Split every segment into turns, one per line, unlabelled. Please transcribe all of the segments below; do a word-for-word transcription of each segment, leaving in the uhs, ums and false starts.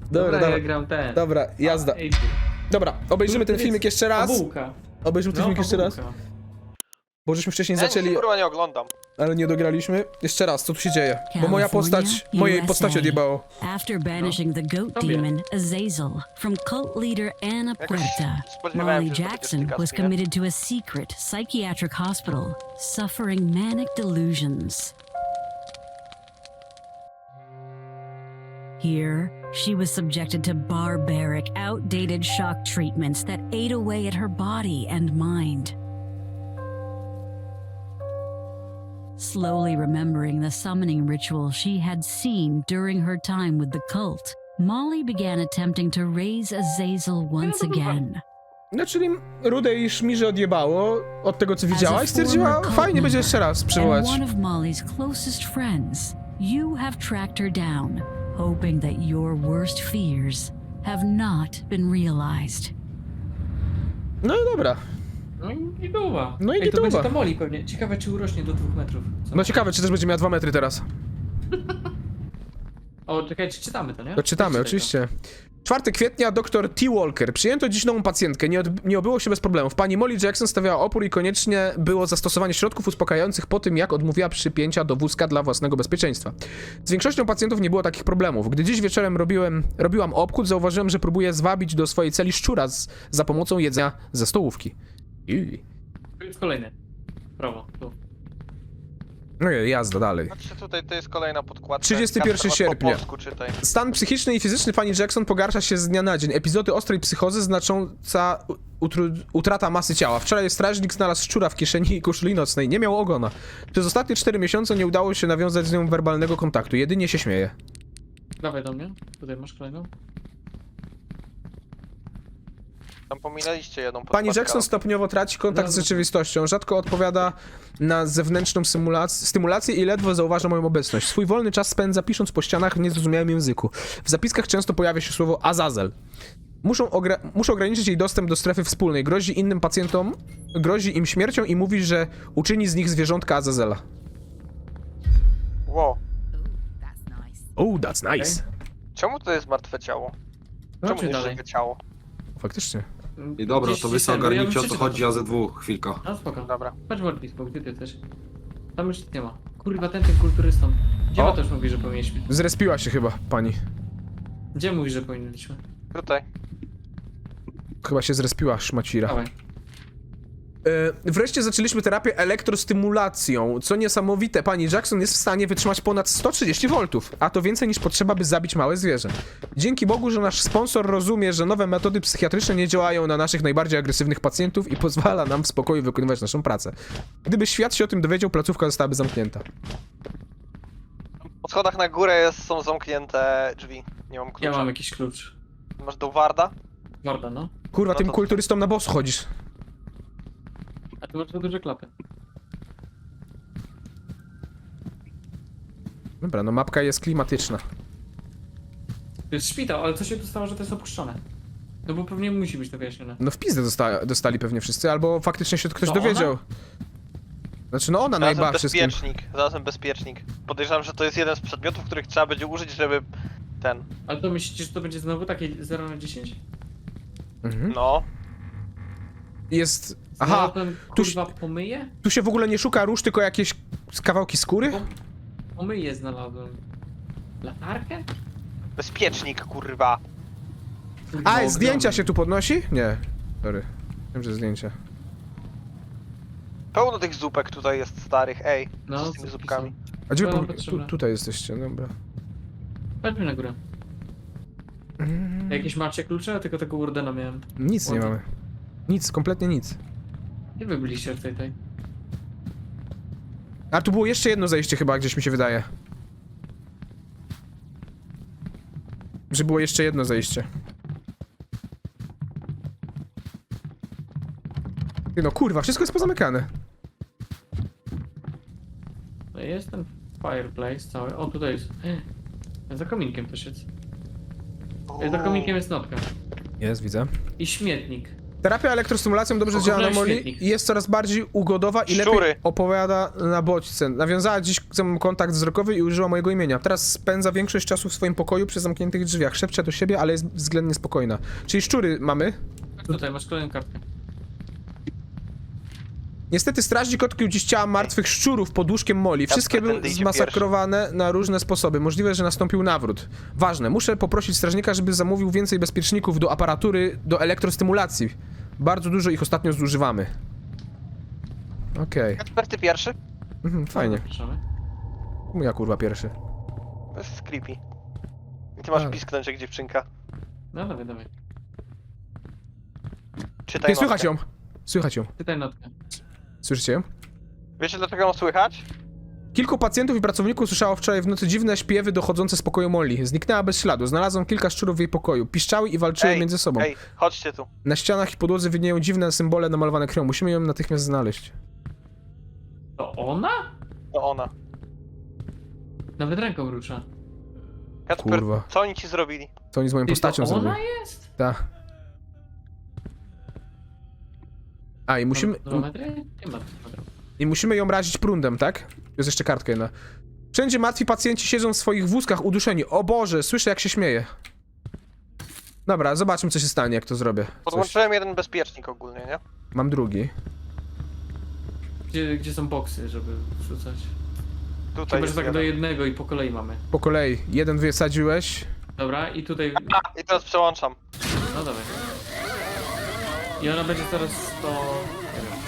Dobra,
Dobra,
dobra.
ja gram ten.
Dobra, jazda.
A, ej,
Dobra, obejrzymy ten filmik jeszcze raz.
Fabułka.
Obejrzymy ten
No,
filmik jeszcze raz.
fabułka.
Bo żeśmy wcześniej
Ja nic
zaczęli,
kurwa nie oglądam.
ale nie dograliśmy. Jeszcze raz, co tu się dzieje? Bo moja postać, mojej postaci odjebało.
After banishing the goat
Tobie.
demon Azazel from cult leader Ana
Jakoś
Puerta,
spodziewałem
Molly
się, że to będzie
Jackson
styka
was
z mnie.
committed to a secret psychiatric hospital, suffering manic delusions. Here, she was subjected to barbaric, outdated shock treatments that ate away at her body and mind. Slowly remembering the summoning ritual she had seen during her time with the cult, Molly began attempting to raise Azazel once again.
No, czyli Rudej Szmirze odjebało od tego, co
As
widziała
a
i stwierdziła,
former cult
fajnie będzie
member
jeszcze raz
and
przywołać.
one of Molly's closest friends, you have tracked her down, hoping that your worst fears have not been realized.
No i dobra.
No i gituwa.
No i
Ej, to
gituwa.
będzie ta Molly pewnie. Ciekawe, czy urośnie do dwóch metrów. Co?
No ciekawe, czy też będzie miała dwa metry teraz.
O, czekaj, czy czytamy to, nie?
To czytamy,
Czytaj
oczywiście. czwartego kwietnia dr T. Walker. Przyjęto dziś nową pacjentkę. Nie, od, nie obyło się bez problemów. Pani Molly Jackson stawiała opór i koniecznie było zastosowanie środków uspokajających po tym, jak odmówiła przypięcia do wózka dla własnego bezpieczeństwa. Z większością pacjentów nie było takich problemów. Gdy dziś wieczorem robiłem, robiłam obchód, zauważyłem, że próbuje zwabić do swojej celi szczura z, za pomocą jedzenia ze stołówki. I...
To jest kolejny. Prawo, tu.
No i jazda dalej.
Znaczy tutaj to jest kolejna podkładka.
trzydziestego pierwszego
Kasper, masz
sierpnia.
Po polsku czytaj.
Stan psychiczny i fizyczny pani Jackson pogarsza się z dnia na dzień. Epizody ostrej psychozy znacząca utru- utrata masy ciała. Wczoraj strażnik znalazł szczura w kieszeni i koszuli nocnej. Nie miał ogona. Przez ostatnie cztery miesiące nie udało się nawiązać z nią werbalnego kontaktu. Jedynie się śmieje.
Dawaj do mnie. Tutaj masz kolejną.
Tam pominęliście jedną
Pani
podkładkę.
Jackson stopniowo traci kontakt
No,
z
no.
rzeczywistością. Rzadko odpowiada na zewnętrzną symulac- stymulację i ledwo zauważa moją obecność. Swój wolny czas spędza pisząc po ścianach w niezrozumiałym języku. W zapiskach często pojawia się słowo Azazel. Muszą, ogra- muszą ograniczyć jej dostęp do strefy wspólnej. Grozi innym pacjentom, grozi im śmiercią i mówi, że uczyni z nich zwierzątka Azazela.
Wow.
Oh, that's nice.
Czemu to jest martwe ciało?
No,
Czemu
czy
nie
dalej?
żywe ciało?
Faktycznie.
I dobra,
Gdzieś
to
się
wy sobie
ten, bo ja
ogarnijcie
bym
o co
przeczytał.
chodzi, a ze dwóch, chwilka.
No spoko.
Dobra.
Patrz Warpisku, gdzie ty też? Tam już nic nie ma. Kurwa, ten, ten kulturystą. Gdzie
O.
ma też mówi, że powinniśmy?
Zrespiła się chyba pani.
Gdzie mówi, że powinniśmy?
Tutaj.
Chyba się zrespiła szmacira.
Dawaj.
E, wreszcie zaczęliśmy terapię elektrostymulacją. Co niesamowite, pani Jackson jest w stanie wytrzymać ponad sto trzydzieści voltów, a to więcej niż potrzeba, by zabić małe zwierzę. Dzięki Bogu, że nasz sponsor rozumie, że nowe metody psychiatryczne nie działają na naszych najbardziej agresywnych pacjentów i pozwala nam w spokoju wykonywać naszą pracę. Gdyby świat się o tym dowiedział, placówka zostałaby zamknięta.
Po schodach na górę jest, są zamknięte drzwi. Nie mam klucza.
Ja mam jakiś klucz.
Masz do Warda?
Warda, no.
Kurwa,
No
tym
to-
kulturystom na boss chodzisz.
A tu masz za duże klapy.
Dobra, no mapka jest klimatyczna.
To jest szpital, ale co się tu stało, że to jest opuszczone? No bo pewnie musi być to wyjaśnione.
No w pizdę dosta dostali pewnie wszyscy, albo faktycznie się ktoś
To
dowiedział.
ona?
Znaczy, no ona
Znalazłem
najbardziej z tym.
bezpiecznik. Znalazłem bezpiecznik. Podejrzewam, że to jest jeden z przedmiotów, których trzeba będzie użyć, żeby ten.
Ale to myślicie, że to będzie znowu takie zero na dziesięć?
Mhm.
No.
Jest...
Aha,
Aha,
ten
tu
kurwa pomyje?
tu się w ogóle nie szuka róż, tylko jakieś kawałki skóry?
Pom pomyje znalazłem. Latarkę?
Bezpiecznik, kurwa.
Kurwa,
A,
ogromny.
zdjęcia się tu podnosi? Nie. Sorry. Wiem, że zdjęcia.
Pełno tych zupek tutaj jest starych, ej.
No,
z tymi
zupki
zupkami.
A gdzie wy
To nam
po... tu,
potrzebne.
tutaj jesteście, dobra.
Chodźmy na górę.
Mm,
Jakieś macie klucze? Tylko tego Wardena miałem.
Nic nie
Ładnie.
mamy. Nic, kompletnie nic.
Gdzie wy byliście w tej tej?
A tu było jeszcze jedno zejście chyba, gdzieś mi się wydaje. Że było jeszcze jedno zejście. Ty no kurwa, wszystko jest pozamykane.
No jest ten fireplace cały. O, tutaj jest. Za kominkiem też jest. Za kominkiem jest notka.
Jest, widzę.
I śmietnik.
Terapia elektrostymulacją dobrze
O,
działa na
oglądałem
Molly
świetnik.
i jest coraz bardziej ugodowa i
Szczury.
lepiej opowiada na bodźce. Nawiązała dziś ze mną kontakt wzrokowy i użyła mojego imienia. Teraz spędza większość czasu w swoim pokoju przy zamkniętych drzwiach. Szepcze do siebie, ale jest względnie spokojna. Czyli szczury mamy.
Tutaj masz kolejną kartkę.
Niestety strażnik odkrył dziś ciała martwych szczurów pod łóżkiem Molly. Wszystkie
Kacper,
były
tędy idzie
zmasakrowane na różne sposoby. Możliwe, że nastąpił nawrót. Ważne, muszę poprosić strażnika, żeby zamówił więcej bezpieczników do aparatury do elektrostymulacji. Bardzo dużo ich ostatnio zużywamy. Okej,
Kacper, ty pierwszy?
mhm, fajnie.
Zapraszamy.
Ja kurwa pierwszy.
To jest creepy. I ty masz
A.
pisknąć jak dziewczynka.
No dawaj, dawaj.
Czytaj
Nie, słychać
notkę.
ją! Słychać ją.
Czytaj notkę.
Słyszycie ją?
Wiecie dlaczego ją słychać?
Kilku pacjentów i pracowników słyszało wczoraj w nocy dziwne śpiewy dochodzące z pokoju Molly. Zniknęła bez śladu. Znalazłem kilka szczurów w jej pokoju. Piszczały i walczyły
Ej,
między sobą.
Ej, chodźcie tu.
Na ścianach i podłodze widnieją dziwne symbole namalowane krwią. Musimy ją natychmiast znaleźć.
To ona?
To ona.
Nawet ręką rusza.
Kacper,
Kurwa.
co oni ci zrobili?
Co oni z moją
Ty,
postacią
to
zrobili?
ona jest?
Tak. A i musimy,
Dwa metry? Nie ma dwa metry.
i musimy ją razić prądem, tak? Jest jeszcze kartka jedna. Wszędzie martwi pacjenci siedzą w swoich wózkach uduszeni. O Boże, słyszę jak się śmieje. Dobra, zobaczmy co się stanie jak to zrobię. Coś.
Podłączyłem jeden bezpiecznik ogólnie, nie?
Mam drugi.
Gdzie, gdzie są boksy, żeby wrzucać?
Tutaj
Chyba,
jest
że tak do
jeden.
jednego i po kolei mamy.
Po kolei. Jeden wysadziłeś.
Dobra, i tutaj...
I teraz przełączam.
No dawaj. I ona będzie teraz to... Nie wiem.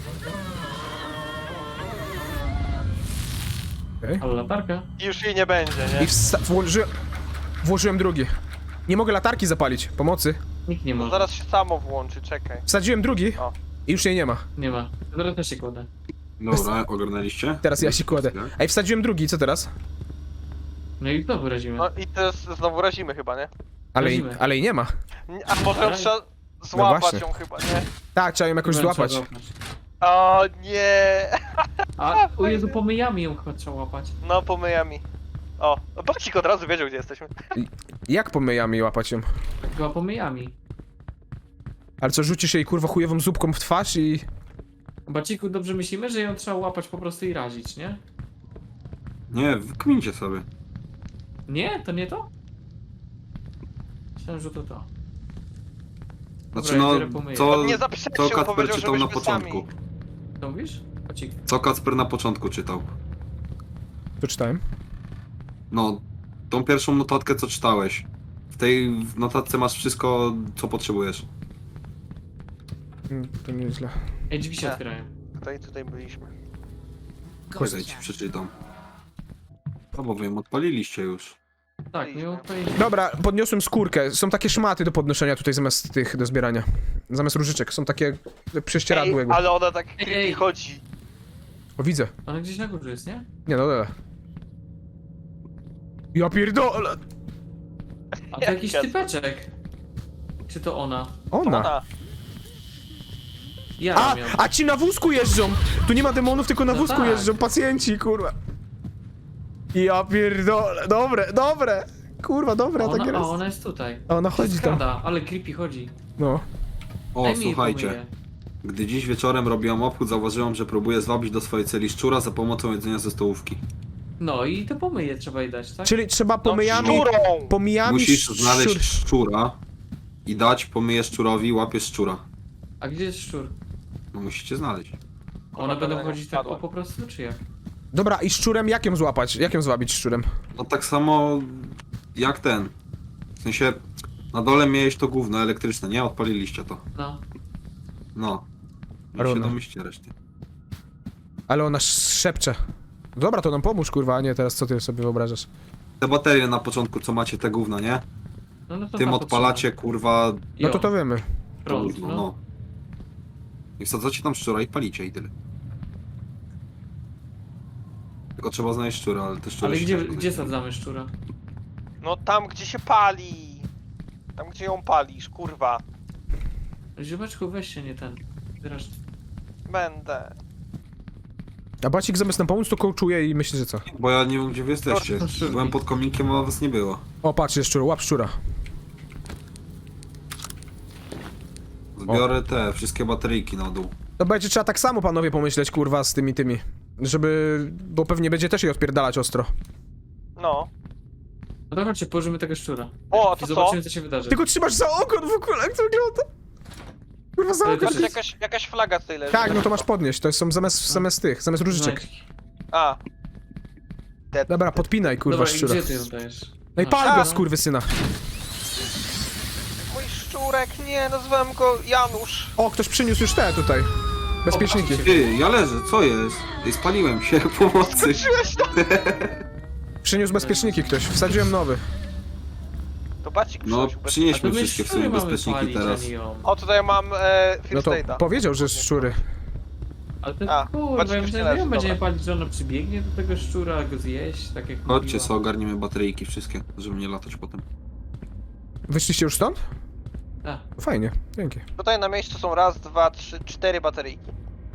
Okay.
Ale latarka?
I już jej nie będzie,
I
nie?
wsta- włożyłem... Włożyłem drugi. Nie mogę latarki zapalić. Pomocy.
Nikt nie
To
może.
zaraz się samo włączy, czekaj.
Wsadziłem drugi.
O.
I już jej nie ma.
Nie ma. Zaraz też się kładę.
Dobra, ogarnęliście?
Teraz ja się kładę. Ej, wsadziłem drugi, co teraz?
No i znowu razimy.
No i teraz znowu razimy chyba, nie?
Ale, jej-
Razimy.
ale jej nie ma.
Nie, A może ją
Dobra.
trzeba złapać
właśnie.
ją chyba, nie?
Tak, trzeba ją jakoś
Chyba
złapać.
trzeba złapać.
O nie!
A, o Jezu, pomyjami ją chyba trzeba łapać.
No pomyjami. O, no Bacik od razu wiedział gdzie jesteśmy.
Jak pomyjami łapać ją?
Chyba pomyjami.
Ale co, rzucisz jej kurwa chujową zupką w twarz i...
Baciku, dobrze myślimy, że ją trzeba łapać po prostu i razić, nie?
Nie, wykmincie sobie.
Nie? To nie to? Myślałem, że to to.
Znaczy
Dobra, ja
no,
biorę pomyję.
co,
On nie zaprzeczył,
co Kacper
powiedział,
czytał na
żebyśmy
początku?
sami.
Co mówisz? Bacik.
Co Kacper na początku czytał?
To czytałem.
No, tą pierwszą notatkę co czytałeś. W tej notatce masz wszystko, co potrzebujesz.
Mm, To nieźle.
Ej, drzwi się
Nie.
otwierają.
Tutaj, tutaj byliśmy.
Czekaj, ci przeczytam. No bo wy ją odpaliliście już.
Tak, miło powiedzieć.
Dobra, podniosłem skórkę. Są takie szmaty do podnoszenia tutaj zamiast tych do zbierania. Zamiast różyczek. Są takie prześcieradło
Ej,
jakby.
ale ona tak
Ej,
creepy
ej.
chodzi.
O, widzę.
Ona gdzieś na górze jest, nie?
Nie, no dobra. Ja pierdolę!
A to
Jak
jakiś
Kacper?
typeczek. Czy to ona?
Ona!
Ona.
Ja
A,
ją.
a ci na wózku jeżdżą! Tu nie ma demonów, tylko na
No
wózku
tak.
jeżdżą pacjenci, kurwa. Ja pierdolę, dobre, dobre! Kurwa, dobre,
Ona,
takie
a
jest.
ona jest tutaj.
A ona chodzi tam.
Skrada, ale creepy chodzi.
No.
O,
Daj mi jej
słuchajcie.
pomyję.
Gdy dziś wieczorem robiłam obchód, zauważyłam, że próbuje zwabić do swojej celi szczura za pomocą jedzenia ze stołówki.
No i te pomyje trzeba jej dać, tak?
Czyli trzeba
No,
pomijami...
szczurą!
Pomijami...
Musisz
szczur-
znaleźć szczura i dać, pomyjesz szczurowi, łapiesz szczura.
A gdzie jest szczur?
No musicie znaleźć.
One
Ona
będą
będę
chodzić tak
spadła.
o po prostu, czy jak?
Dobra, i szczurem jak ją złapać? Jak ją złabić szczurem?
No tak samo jak ten. W sensie, na dole miałeś to gówno elektryczne, nie? Odpaliliście to.
No.
No. I się
Równo.
domyślcie reszty.
Ale ona szepcze. Dobra, to nam pomóż, kurwa, a nie teraz co ty sobie wyobrażasz.
Te baterie na początku, co macie te gówna, nie?
No, no to
Tym
tam
odpalacie, kurwa,
No
Jo,
to to wiemy.
to
prąd,
gówno,
no.
no. I wsadzacie tam szczura i palicie i tyle. Tylko trzeba znaleźć szczura, ale te szczury
Ale
się
gdzie,
ciężko
gdzie
znajdzie.
sadzamy szczura?
No tam gdzie się pali. Tam gdzie ją palisz, kurwa.
Ziomeczku, weź się, nie ten. Zresztą.
Będę.
A Bacik zamiast nam pomóc, to kołczuje i myśli, że co?
Bo ja nie wiem, gdzie wy jesteście.
To szczurki.
Byłem pod kominkiem, a was nie było.
O, patrz, jest szczur, łap szczura.
To biorę te wszystkie bateryjki na dół.
To będzie trzeba tak samo, panowie, pomyśleć, kurwa, z tymi, tymi. Żeby... Bo pewnie będzie też jej odpierdalać ostro.
No.
No to chodźcie, położymy tego szczura.
O,
I
to
zobaczymy,
co?
co się wydarzy.
Tylko trzymasz za ogon w ogóle, jak to wygląda? Kurwa, za
Ale
ogon.
to
Patrz,
jest-
jakaś, jakaś flaga tutaj leży.
Tak, no to masz podnieść, to są zamiast, zamiast tych, zamiast różyczek.
Znajdź.
A. Te...
Dobra, podpinaj, kurwa,
Dobra, i
szczura.
gdzie ty ją dajesz?
No i
A,
pal
A.
go, skurwysyna.
Mój szczurek, nie, nazwałem go Janusz.
O, ktoś przyniósł już te tutaj. Bezpieczniki.
O,
Ty, ja leżę, co jest? Ej, spaliłem się, pomocy.
Skończyłeś to?
Przyniósł bezpieczniki ktoś, wsadziłem nowy.
To bacik
No,
przynosił bez-
A
przynieśmy
to my
wszystkie w
szczury
sumie
mamy
bezpieczniki
palić,
teraz.
a nie ją.
O, tutaj mam e,
No
First
to
Aid'a.
powiedział, że szczury.
Ale to
A,
kurwa,
patrz,
ja
już
myślałem,
nie
że ją
leży,
będziemy
dobra.
palić, że ona przybiegnie do tego szczura, go zjeść, tak jak
Chodźcie,
mówiła.
co ogarniemy bateryjki wszystkie, żeby nie latać potem.
Wyszliście już stąd?
Tak.
Fajnie, dzięki.
Tutaj na miejscu są raz, dwa, trzy, cztery bateryjki.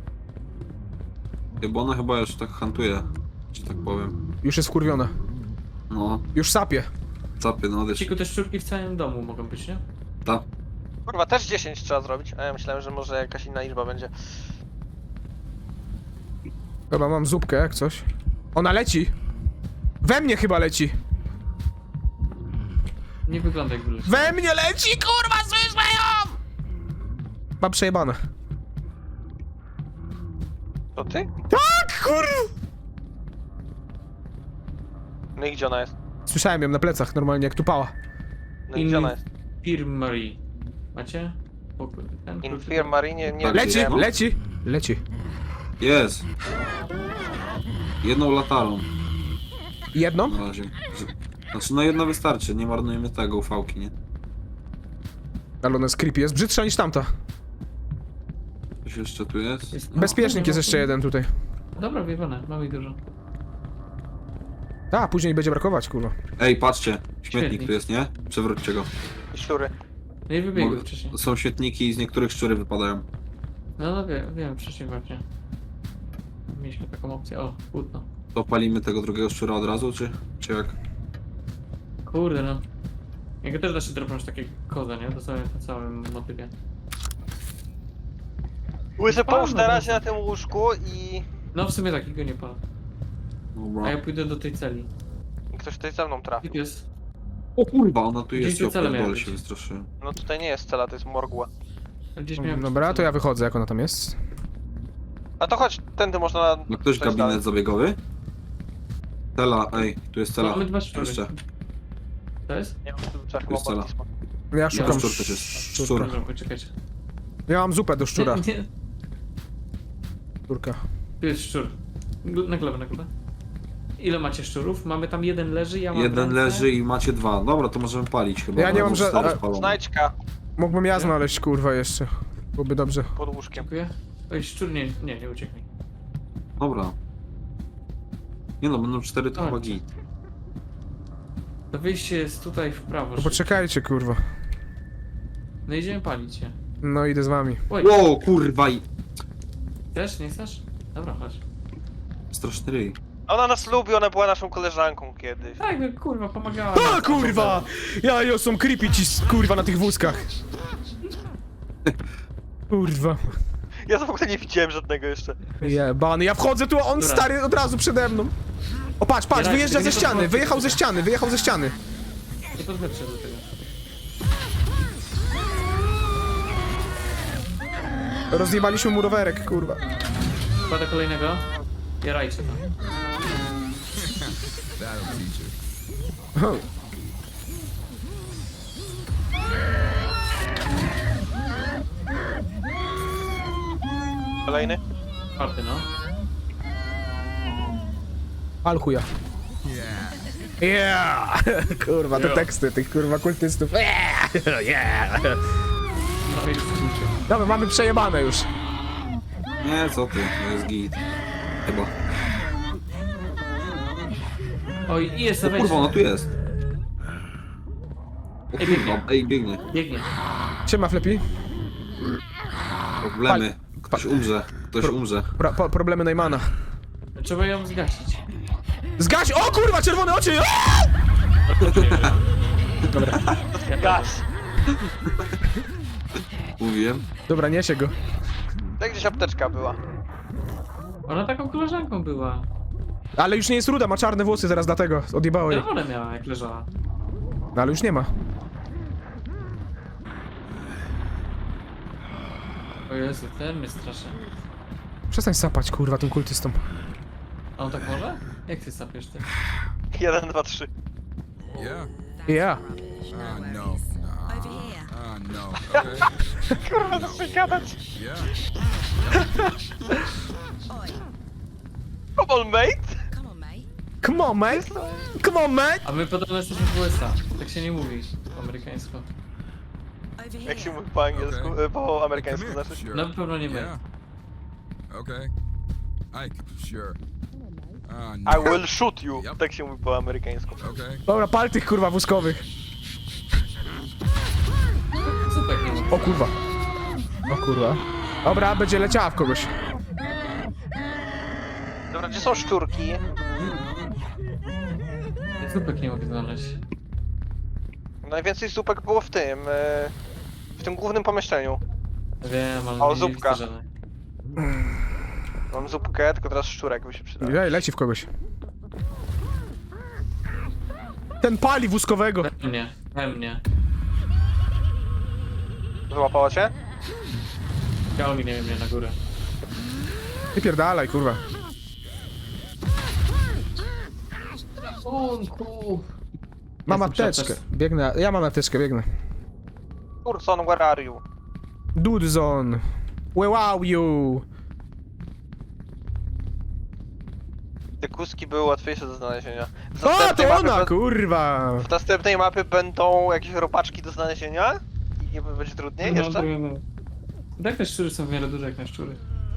Ej, bo ona chyba już tak hantuje, że tak powiem.
Już jest wkurwiona.
No,
Już sapie.
zapy, no wiesz.
Ciku, te szczurki w całym domu mogą być, nie?
Ta.
Kurwa, też dziesięć trzeba zrobić, a ja myślałem, że może jakaś inna liczba będzie.
Dobra, mam zupkę, jak coś. Ona leci! We mnie chyba leci!
Nie wygląda jak wyleci.
We mnie leci, kurwa, słyszę ją! Mam przejebane.
To ty?
Tak, kurwa!
No i gdzie ona jest?
Słyszałem ją na plecach, normalnie jak tupała.
No i gdzie ona jest?
Infirmary. Macie? Pokój. Ten klucz-
Infirmary, nie, nie
Tak,
Leci,
wiem.
leci, leci.
Jest. Jedną latarą
Jedną?
na razie. Z- Znaczy, no jedna wystarczy, nie marnujemy tego ufałki, nie?
Ale ona jest creepy, jest brzydszza niż tamta.
Coś jeszcze tu jest?
Jest-
Bezpiecznik
nie
jest
ma-
jeszcze jeden tutaj.
Dobra, wyjebane, mamy ich dużo.
A, później będzie brakować, kurwa.
Ej, patrzcie, śmietnik
Śmietnik.
tu jest, nie? Przewróćcie go.
I szczury.
No i wybiegły
Mogę-
wcześniej.
Są śmietniki i z niektórych szczury wypadają.
No, no wiem, wiem wcześniej właśnie. Mieliśmy taką opcję. O, płótno.
To palimy tego drugiego szczura od razu, czy, czy jak?
Kurde no. Jego też da się dropnąć takie koze, nie? Dosłownie na całym motywie.
Łysy, połóż
Palmy,
na razie
no.
na tym łóżku i...
No w sumie takiego nie palę.
Dobra.
A ja pójdę do tej celi.
i ktoś tutaj ze mną trafi.
Gdzie jest?
O kurwa, ona tu
Gdzieś
jest,
tu
ja
cele miały
pierdolę
być.
się wystraszyłem.
No tutaj nie jest cela, to jest morgła.
Gdzieś miałem
Dobra, to ja wychodzę, jak ona tam jest.
A to chodź, tędy można...
Ma ktoś
przejść
gabinet
dalej.
zabiegowy? Cela, ej, tu jest cela.
Mamy dwa szczury.
Jeszcze.
To jest?
Nie mam klucza, chyba
jest cela.
Mortisma.
Ja
Ja
szukam
szczur też jest.
szczurka.
Szczur.
Dobra, poczekajcie.
Ja mam zupę do szczura.
Nie, nie.
Szczurka.
Tu jest szczur. Gl- Na glebę, na glebę. Ile macie szczurów? Mamy tam jeden leży, ja mam
Jeden
ręce.
leży i macie dwa. Dobra, to możemy palić chyba.
Ja
bo
nie mam
bo
ża-
stary
a-
spalony.
Znajdźka
Mógłbym ja znaleźć, kurwa, jeszcze. Byłoby dobrze.
pod łóżkiem.
Dziękuję. Oj, szczur nie, nie, nie uciekł mi.
Dobra. Nie no, będą cztery to
Chodź.
chyba git.
To wyjście jest tutaj w prawo.
No
szybko.
poczekajcie, kurwa.
No idziemy palić się.
No idę z wami.
Oj,
Ło, kurwa i...
chcesz, nie chcesz? Dobra, chodź.
Straszny ryj.
Ona nas lubi, ona była naszą koleżanką kiedyś.
Tak, no kurwa, pomagała.
A,
nam.
kurwa! Ja, ja są creepy ci, kurwa, na tych wózkach. Kurwa.
Ja w ogóle nie widziałem żadnego jeszcze.
Jebany, ja wchodzę tu, a on
Dobra.
stary od razu przede mną. O, patrz, patrz,
Ja
wyjeżdża
raczej
ze
nie
ściany,
podchodzę.
wyjechał ze ściany, wyjechał ze ściany.
Nie podchodźcie do tego.
Rozjebaliśmy mu rowerek, kurwa.
Kładę kolejnego. Jarajcie to.
O,
Kolejny?
Czwarty, no.
Pal chuja. Yeah! Kurwa, te
Yeah.
teksty tych kurwa kultystów. Yeah! Yeah!
Trochę już skrócie.
Dobra, mamy przejebane już.
Nie, co ty, to jest git. Chyba.
Oj, i jest,
O
weź.
kurwa, ona tu jest. O
Ej,
kurwa,
biegnie.
ej, biegnie.
Biegnie.
Siema, Flepi.
Problemy. Ktoś umrze, ktoś umrze.
Pro, po, problemy Neymana.
Trzeba ją zgasić.
Zgaś! O kurwa, czerwone oczy! O!
Gaz!
Mówiłem.
Dobra, niesie go.
Tak gdzieś apteczka była.
Ona taką koleżanką była.
Ale już nie jest ruda, ma czarne włosy zaraz dlatego. Odjebało jej.
Czerwone miała, jak leżała.
No ale już nie ma.
O Jezu, ten mnie straszy.
Przestań sapać, kurwa, tym kultystom.
A on tak może? Jak ty sapiesz ty?
Jeden, dwa, trzy.
Yeah.
Ja.
Uh, no. Nah. Uh, no. Okay.
Kurwa, zaczynaj gadać.
Yeah.
Come on, mate.
Come on, mate! Come on, mate!
A my podobno jesteśmy w U S A. Tak się nie mówi po amerykańsku.
Jak się mówi po angielsku,
Okay.
e, po
Come
amerykańsku
here.
znaczy?
Sure.
Na pewno nie my.
Yeah. Okay. Ike, sure. Uh, no.
I will shoot you.
Yep.
Tak się mówi po amerykańsku.
Okay.
Dobra, pal tych kurwa wózkowych.
Super, nie ma.
O kurwa. O kurwa. Dobra, będzie leciała w kogoś.
Dobra, gdzie są szczurki?
Zupek nie mogę znaleźć.
Najwięcej zupek było w tym, e, w tym głównym pomieszczeniu.
Wiem, ale
O,
nie
zupka.
widzę żadnej.
Mam zupkę, tylko teraz szczurek by się przydał.
Ej, leci w kogoś. Ten pali wózkowego.
We mnie, we mnie.
Złapało cię?
Ciągnie mnie na górę.
Wypierdalaj, kurwa.
Ratunku!
Mam
Jestem
apteczkę.
przepes-
Biegnę. Ja mam apteczkę, biegnę.
Urson, where are you?
Dudezon. Where are you?
Te kuski były łatwiejsze do znalezienia. W
O,
następnej
to
mapie
ona,
be-
kurwa!
W następnej mapie będą jakieś robaczki do znalezienia? I nie będzie trudniej
No,
jeszcze?
no, no. Tak te szczury są w miarę duże jak na szczury.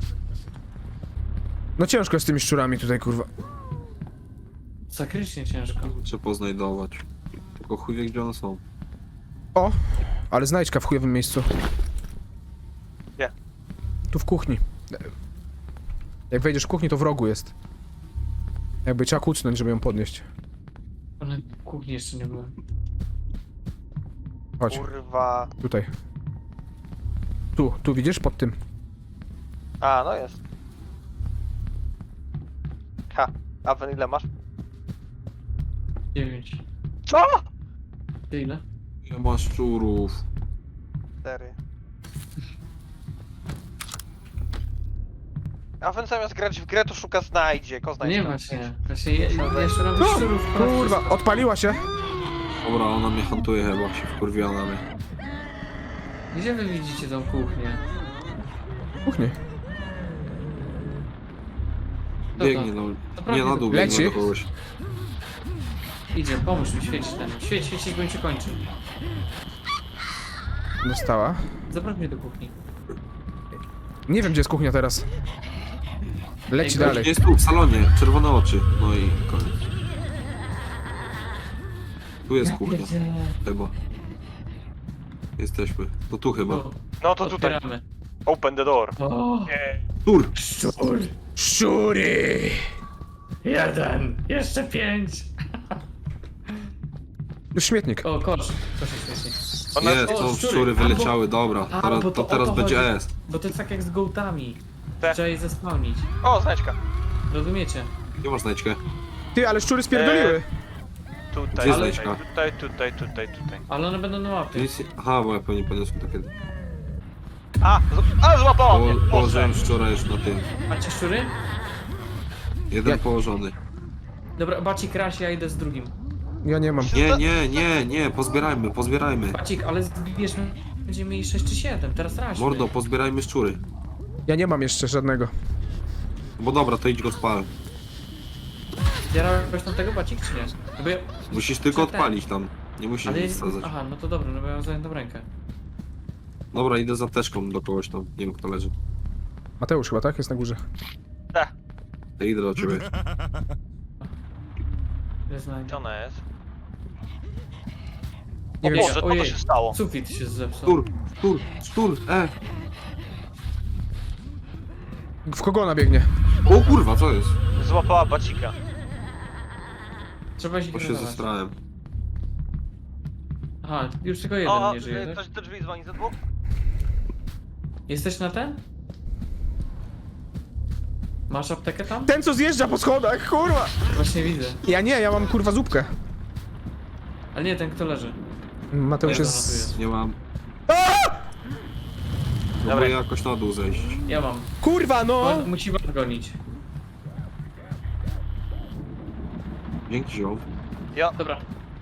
No ciężko z tymi szczurami tutaj, kurwa.
Sakrycznie ciężko.
Trzeba poznajdować. Tylko chuj wie, gdzie one są.
O! Ale znajdźka w chujowym miejscu.
Gdzie?
Tu w kuchni. Jak wejdziesz w kuchni, to w rogu jest. Jakby trzeba kucnąć, żeby ją podnieść.
One w kuchni jeszcze nie były.
Chodź,
Kurwa.
tutaj. Tu, tu widzisz? Pod tym.
A, no jest. Ha, a wy ile masz?
Dziewięć.
Co?
Ty ile?
Ile masz szczurów?
Cztery. A wy zamiast grać w grę, to szuka znajdzie. Ko znajdzie.
Nie
tam
właśnie.
pięć.
Właśnie ja, ja jeszcze robię szczurów.
Kurwa, odpaliła się.
Dobra, ona mnie hantuje chyba, się wkurwiła na mnie.
Gdzie wy widzicie tą kuchnię?
W kuchni.
to?
Biegnie no.
To
Nie, na dół
Leci.
biegnie do kogoś.
Idzie, pomóż mi świecić ten. Świeć, świecić, bo mi się kończy.
Dostała.
Zaproś mnie do kuchni.
Nie wiem, gdzie jest kuchnia teraz. Leci
Ej,
dalej.
Jest tu, w salonie, czerwone oczy. No i koniec. Tu jest kuchnia, chyba. Jesteśmy. To tu chyba.
O,
No to tutaj.
otwieramy.
Open the door.
O,
Nie.
Tur!
szczur!
Szczury!
Jeden! Jeszcze pięć!
Już śmietnik.
O, kosz. Kosz jest śmiesznie.
Ona
Jest,
o,
to
szczury.
szczury wyleciały, dobra.
A,
Teraz,
bo
to
to o
teraz
to
będzie
chodzi.
S.
Bo to jest tak jak z gołtami.
Te.
Trzeba je zespawnić.
O, znajdźka.
Rozumiecie?
Nie masz znajdźkę.
Ty, ale szczury spierdoliły.
Tutaj,
Gdzie
tutaj,
znajdźka?
tutaj, tutaj, tutaj, tutaj.
Ale one będą na łapie.
Nic nie... Aha, bo ja pewnie podniosłem takie...
A, z... a złapało mnie.
Po,
Boże.
położyłem szczura już na tym.
Macie szczury?
Jeden
Ja-
położony.
Dobra, Bacik kraś, ja idę z drugim.
Ja nie mam.
Nie, nie, nie, nie, pozbierajmy, pozbierajmy.
Bacik, ale zbierzmy. Będziemy mieli sześć czy siedem, teraz raźmy.
Mordo, pozbierajmy szczury.
Ja nie mam jeszcze żadnego.
Bo dobra, to idź go spal.
Zjarałeś tam tego Bacik, czy nie? No bo ja...
Musisz tylko
Czy ten?
odpalić tam. Nie musisz
Ale
nic
jest...
wsadzać.
Aha, no to dobra, no bo ja mam zajętą rękę.
Dobra, idę za teczką do kogoś tam. Nie wiem kto leży.
Mateusz chyba, tak? Jest na górze.
Tak,
Ja idę do ciebie.
Nie znajdę.
gdzie ona jest?
Nie
O
wiem.
Boże, co to
Ojej.
się stało?
Sufit się zepsuł.
Sztur, sztur, sztur, e!
W kogo ona biegnie?
O kurwa, co jest?
Złapała bacika.
Trzeba się
Bo się
pilnować.
zestrałem.
Aha, już tylko jeden
O,
nie żyje,
e,
tak?
ktoś do drzwi dzwoni ze dwóch?
Jesteś na ten? Masz aptekę tam?
Ten, co zjeżdża po schodach, kurwa!
Właśnie widzę.
Ja nie, ja mam kurwa zupkę.
Ale nie, ten kto leży.
Mateusz
Dobra, no tu
jest...
jest.
Nie mam.
Dobra.
Próbuję jakoś na dół zejść.
Ja mam.
Kurwa, no!
On musi was gonić.
Dzięki, ziom.
Ja,
Dobra.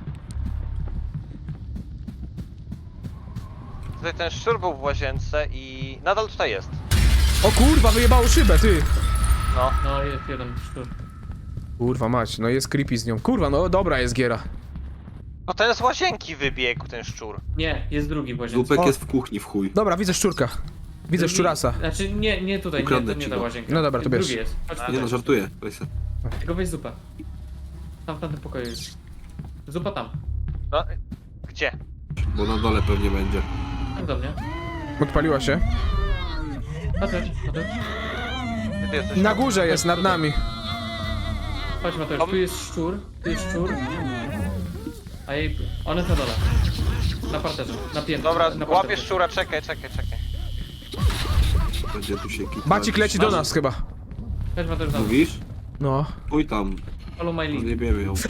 tutaj ten szczur był w łazience i nadal tutaj jest.
O kurwa, wyjebało szybę, ty!
No.
No jest jeden szczur.
Kurwa mać, no jest creepy z nią. Kurwa, no dobra jest giera.
No ten z łazienki wybiegł, ten szczur.
Nie, jest drugi w łazience.
Zupek
O.
jest w kuchni w chuj.
Dobra, widzę szczurka. Widzę
Drugi-
szczurasa.
Znaczy nie, nie tutaj, nie,
Ukradnę
to nie
ci
ta
go.
łazienka.
No dobra, to bierz.
Drugi jest. Chodź
A,
Nie
tutaj.
no, żartuję. Weź se.
Tylko weź zupę. Tam w tamtym pokoju jest. Zupa tam.
No, gdzie?
Bo na dole pewnie będzie.
Tam do mnie.
Odpaliła się.
Mateusz, Mateusz.
Gdzie ty jesteś?
Na górze jest, nad nami.
Chodź Mateusz, tu jest szczur, tu jest szczur. A jej... On jest na dole. Na parterze, na piętrze.
Dobra,
na
łapię
parterze.
szczura, czekaj, czekaj, czekaj.
Będzie tu się kitać.
Bacik leci do nas chyba.
Chodź Mateusz, tam.
Mówisz?
No.
Chuj tam.
Follow my lead.
Nie wiemy ją.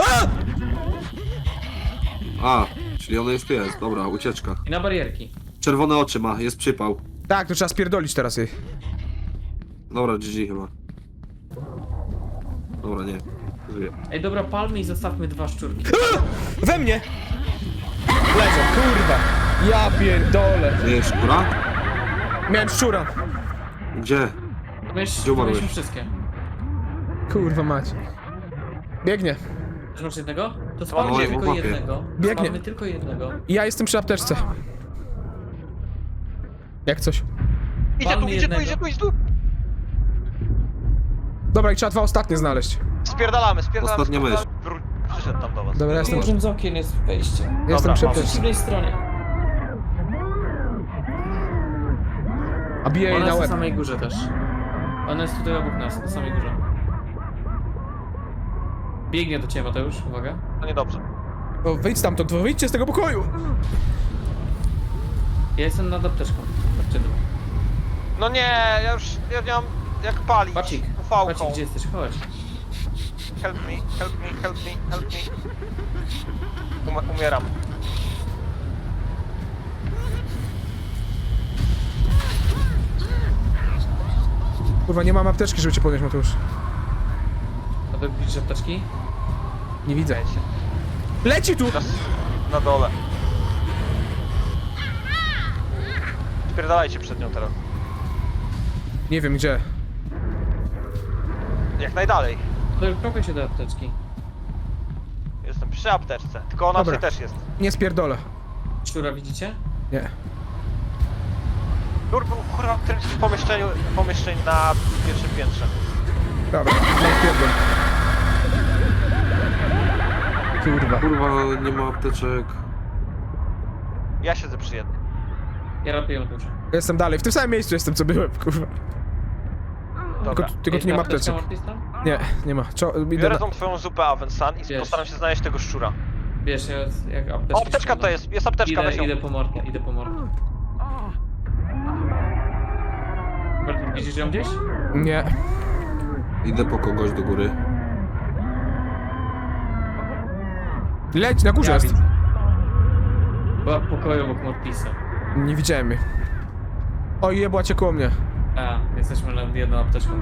A, czyli ona już tu jest. Dobra, ucieczka.
I na barierki.
Czerwone oczy ma, jest przypał.
Tak, to trzeba spierdolić teraz jej.
Dobra, G G chyba. Dobra, nie. Żyję.
Ej, dobra, palmy i zostawmy dwa szczurki.
We mnie! Lecę, kurwa. Ja pierdolę.
Nie jest szkura?
Miałem szczura.
Gdzie?
Wiesz,
Gdzie umarłeś?
mieliśmy wszystkie.
Kurwa mać. Biegnie.
Czy masz jednego? To
mam
spalmy
dziewięć.
tylko
Chłopie.
jednego.
Biegnie.
Spalmy tylko jednego.
Ja jestem przy apteczce. Jak coś.
Idzie
Palmy
tu, idzie tu,
jednego.
idzie tu, idzie tu!
Dobra, i trzeba dwa ostatnie znaleźć.
Spierdalamy, spierdalamy,
Ostatnia
spierdalamy. Wró- Przyszedł tam do was.
Dobra, jestem,
Dużym z okien jest wejście.
jestem
Dobra,
przy
Po
apteczce.
przeciwnej stronie.
A bije jej
Ona
na
jest na
łeb.
samej górze też. Ona jest tutaj obok nas, na samej górze. Biegnie do ciebie, Mateusz, uwaga.
To niedobrze.
O, wyjdź stamtąd, wyjdźcie z tego pokoju!
Ja jestem nad apteczką. Chodźcie tu.
No nie, ja już, ja nie mam jak palić.
Bacik,
ufałką.
Bacik, gdzie jesteś? Chodź.
Help me, help me, help me, help me. Um umieram.
Kurwa, nie mam apteczki, żeby cię podnieść, Mateusz.
A to widzisz apteczki?
Nie widzę.
Wiecie,
Leci tu!
na, na dole. Spierdalajcie przed nią teraz.
Nie wiem gdzie.
Jak najdalej.
To kropię się do apteczki.
Jestem przy apteczce. Tylko ona
Dobra.
tutaj też jest.
Nie spierdolę.
Szczura widzicie?
Nie.
Nur był kurwa w którymś z pomieszczeniu, pomieszczeń na pierwszym piętrze.
Dobra, nie spierdol. Kurwa.
Kurwa, nie ma apteczek.
Ja siedzę przy jednym.
Ja robię ją dużo.
Jestem dalej, w tym samym miejscu jestem, co byłem, kurwa.
Dobra.
Tylko, tylko tu nie ma apteczek. Nie, nie ma. Czo, idę
Biorę
na...
tą twoją zupę Avensan i
Wiesz.
postaram się znaleźć tego szczura.
Wiesz, ja jak apteczkę...
O, apteczka to jest, jest apteczka,
Idę,
weź ją.
idę po mordę, idę po mordę. Widzisz ją gdzieś?
Nie.
Idę po kogoś do góry.
Leć, na górze
Ja
jest.
widzę. Była w pokoju obok Mortisa.
Nie widziałem jej. O, jebła cię koło mnie.
A, jesteśmy nad jedną apteczką.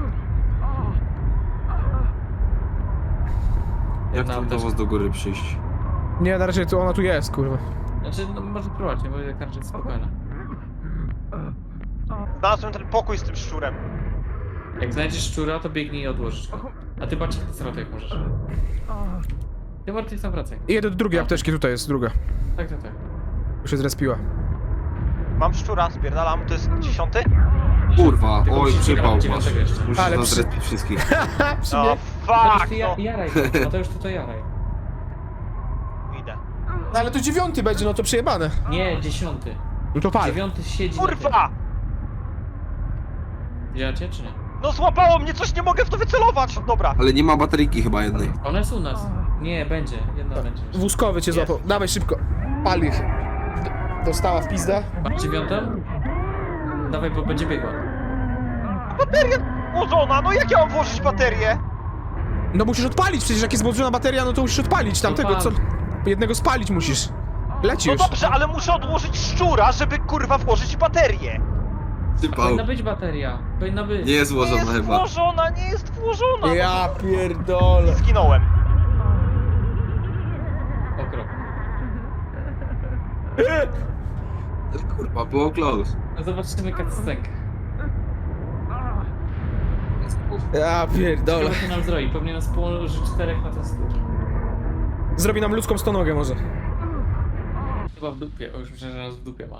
Jak
Jedna
tam do
apteczka.
was do góry przyjść?
Nie, na razie tu ona tu jest, kurwa.
Znaczy, no może próbować, nie? Bo jak raczej jest spokojna.
Znalazłem ten pokój z tym szczurem.
Jak znajdziesz szczura, to biegnij i odłożysz go. A ty patrz, ty sobie jak możesz. Ty Mortis tam wracaj.
I jedę do drugiej apteczki, tutaj jest druga.
Tak, tak, tak.
Już się zrespiła.
Mam szczura, spierdalam, to jest dziesiąty?
Kurwa,
Tylko
oj,
musisz
przypał
grać
masz.
dziewiątego jeszcze.
Musisz
Ale
nas
przy-
zrespić wszystkich.
Ha, przy
No
mnie.
Mateusz,
fuck,
ty
no.
ja, jaraj to. Mateusz, to to jaraj.
Idę.
No ale to dziewiąty będzie, no to przejebane.
Nie, dziesiąty.
No to pal.
Dziewiąty siedzi na
Kurwa!
tym. Widzicie, czy nie?
No złapało mnie coś, nie mogę w to wycelować! Dobra.
Ale nie ma bateryjki chyba jednej.
Ona jest u nas. Nie, będzie. Jedna będzie.
Wózkowy cię
Jest.
złapał. Dawaj szybko. Pal ich. D- Dostała w pizdę.
Masz dziewiątą? Dawaj, bo będzie biegła.
Bateria włożona, no jak ja mam włożyć baterię?
No musisz odpalić, przecież jak jest włączona bateria, no to musisz odpalić tamtego, co... Jednego spalić musisz. Leci
No
już.
dobrze, ale muszę odłożyć szczura, żeby kurwa włożyć baterię.
Typał.
Powinna być bateria. Powinna być.
Nie jest
Nie
złożona
jest
chyba.
włożona, nie jest włożona.
Ja pierdolę.
Zginąłem.
Okrop.
Kurwa, było close.
No zobaczymy cutscenkę.
Ja pierdolę.
Ciekawe, co nam zrobi. Pewnie nas położy czterech na ten stół.
Zrobi nam ludzką stonogę może.
Chyba w dupie. O, już myślę, że nas w dupie ma.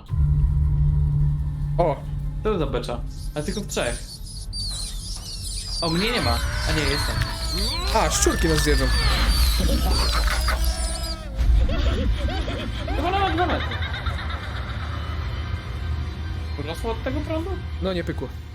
O,
Co to za becza? A tylko w trzech. O, mnie nie ma. A nie, jestem.
a, szczurki nas zjedzą.
Chyba na dwa metry. Urosło od tego prądu?
No nie pykło.